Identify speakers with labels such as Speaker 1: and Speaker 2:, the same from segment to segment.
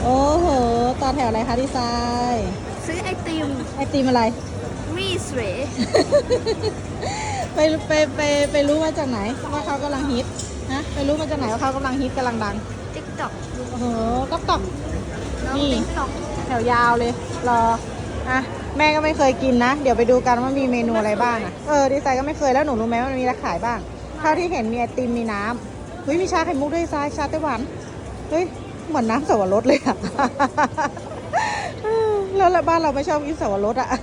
Speaker 1: โอ้โหต่อแถวอะไรคะดีไซน์
Speaker 2: ซื้อไอติม
Speaker 1: ไอติมอะไร
Speaker 2: มีสวย
Speaker 1: ไปไปรู้มาจากไหนว่าเขากำลังฮิตนะไปรู้มาจากไหนว่าเขากำลังฮิตกำลังดัง
Speaker 2: ติ๊กต็อก
Speaker 1: โอ้โหต๊อก
Speaker 2: น้อง
Speaker 1: นี่
Speaker 2: ติ๊กต็อก
Speaker 1: แถวยาวเลยรออ่ะแม่ก็ไม่เคยกินนะเดี๋ยวไปดูกันว่ามีเมนูอะไรบ้างอ่ะดีไซน์ก็ไม่เคยแล้วหนูรู้ไหมว่ามันมีอะไรขายบ้างเท่าที่เห็นมีไอติมมีน้ำเฮ้ยมีชาไข่มุกด้วยดีไซน์ชาไต้หวันเฮ้ยเหมือนน้ำสับปะรดเลยอ่ะ แล้วบ้านเราไม่ชอบกินสับปะรดอ่ะ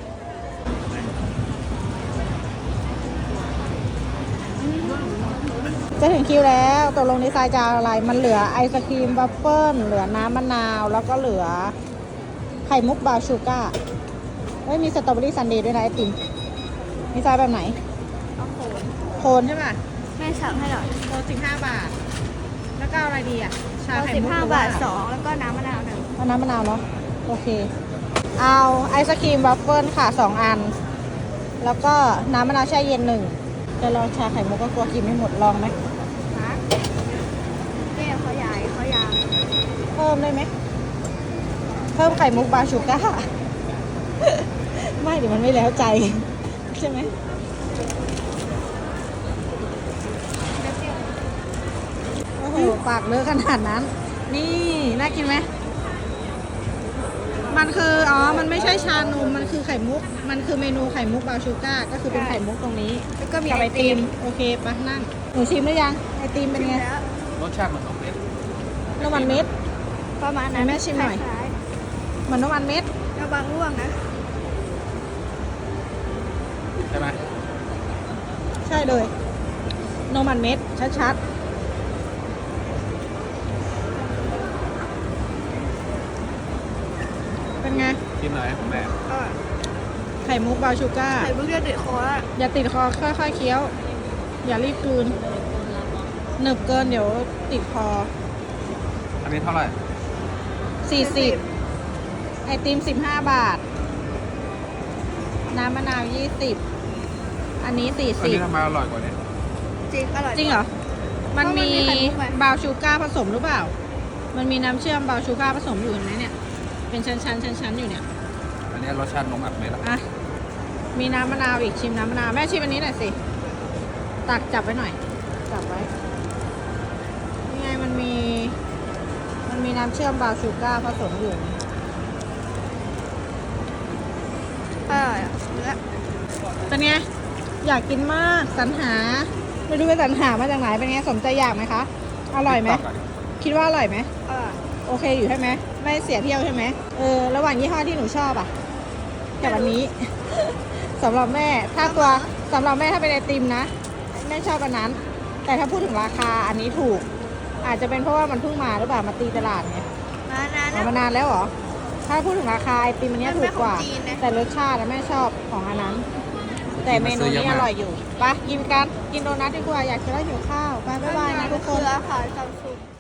Speaker 1: จะถึงคิวแล้วตกลงดีไซน์จะเอาอะไรมันเหลือไอศครีมบัฟเฟิลเหลือน้ำมะนาวแล้วก็เหลือไข่มุกบราวน์ชูการ์ไม่มีสตรอเบอรี่ซันเดย์ด้วยนะไอติมดีไซน์แบบไหน
Speaker 2: เอาโขน
Speaker 1: โคนใช่ป่ะ
Speaker 2: แม่สั่งให้หน่อย
Speaker 1: โคน15 บาท แล้วก็เอาอะไรดีอ่ะชา
Speaker 2: เอา
Speaker 1: ไข่มุก
Speaker 2: 15 บาท 2 แล้วก็น้ำมะนาว1
Speaker 1: เอาน้ำมะนาวเนาะโอเคเอาไอศครีมบัฟเฟิลค่ะ2 อันแล้วก็น้ำมะนาวแช่เย็น1จะลองชาไข่มุกก็กลัวกินไม่หมดลองไหม
Speaker 2: นะแก้เขาใหญ่เขายาว
Speaker 1: เพิ่มได้ไหมเพิ่มไข่มุกบราวน์ชูการ์ ไม่เดี๋ยวมันไม่แล้วใจ ใช่ไหมโอ้โหปากเลอะขนาดนั้น นี่น่ากินไหมมันคือมันไม่ใช่ชานมมันคือไข่มุก มันคือเมนูไข่มุกบราวน์ชูการ์ก็คือเป็นไข่มุกตรงนี้
Speaker 2: แล้วก็มี
Speaker 1: กับ
Speaker 2: ไอ
Speaker 1: ไอ
Speaker 2: ติ
Speaker 1: ติ
Speaker 2: ม
Speaker 1: มโอเคปะนั่งหนูชิมหรือยังไอติมเป็นไง
Speaker 2: แล้ว
Speaker 3: รสชาติมัน2 เม็ด
Speaker 1: น้ำมันเม็ด
Speaker 2: ประมาณนั้น
Speaker 1: ให้แม่ชิมหน่อย
Speaker 2: คล้าย
Speaker 1: เหมือนน้ำมันเม็ด
Speaker 2: ๆระวังร่วงนะ
Speaker 3: ใช่ไหม
Speaker 1: ใช่เลยน้ำมันเม็ดชัดๆเป็นไง
Speaker 3: ชิมหน่อยของแม่
Speaker 2: เออ
Speaker 1: ไข่มุกบราวน์ชูการ์
Speaker 2: ไข่มุกจะติดคอแล้ว
Speaker 1: อย่าติดคอค่อยๆเคี้ยว อย่ารีบกลืนหนึบเกินเดี๋ยวติดคอ
Speaker 3: อันนี้เท่าไหร่
Speaker 1: 40ไอติม15 บาท น้ำมะนาว20อันนี้
Speaker 3: อันนี้ทำไมอร่อยกว่านี้
Speaker 2: จริงอร่อย
Speaker 1: 40จริงเหรอ มันมี
Speaker 2: เพราะมันมีไข่มุกไหม
Speaker 1: บราวน์ชูการ์ผสมหรือเปล่า มันมีน้ำเชื่อมบราวน์ชูการ์ผสมอยู่เห็นไหมเนี่ย เป็นชั้นๆอยู่เนี่ย
Speaker 3: อันนี้รสชาตินมอัดเม็ดอะ
Speaker 1: อ่ะ มีน้ำมะนาวอีกชิมน้ำมะนาวแม่ชิมอันนี้หน่อยสิ ตักจับไว้หน่อย จับไว้นี่ไงมันมีน้ำเชื่อมบราวน์ชูการ์ผสมอยู่
Speaker 2: อร่อยอ่ะเนื้อ
Speaker 1: เป็นไง อยากกินมากสรรหา ไม่รู้ไปสรรหามาจากไหนเป็นไงสมใจอยากไหมคะ อร่อยไหม คิดว่าอร่อยไหม
Speaker 2: อร่อย
Speaker 1: โอเคอยู่ใช่ไหมไม่เสียเที่ยวใช่ไหมระหว่างยี่ห้อที่หนูชอบอะกับอันนี้ สำหรับแม่ถ้าตัวสำหรับแม่ถ้าเป็นไอติมนะแม่ชอบอันนั้น แต่ถ้าพูดถึงราคาอันนี้ถูก อาจจะเป็นเพราะว่ามันเพิ่งมาหรือเปล่ามาตีตลาดเนี่ย
Speaker 2: มานาน
Speaker 1: มานานแล้วเหรอถ้าพูดถึงราคาไอติมอันนี้ถูกกว่า
Speaker 2: มันเป็นของจีนนะ
Speaker 1: แต่รสชาติแม่ชอบของอันนั้น แต่เมนูนี้อร่อยอยู่ไปกินกันกินโดนัทดีกว่าอยากกินแล้วหิวข้าวไปบ๊ายบายนะทุกคน
Speaker 2: เครือค่ะซัมซุง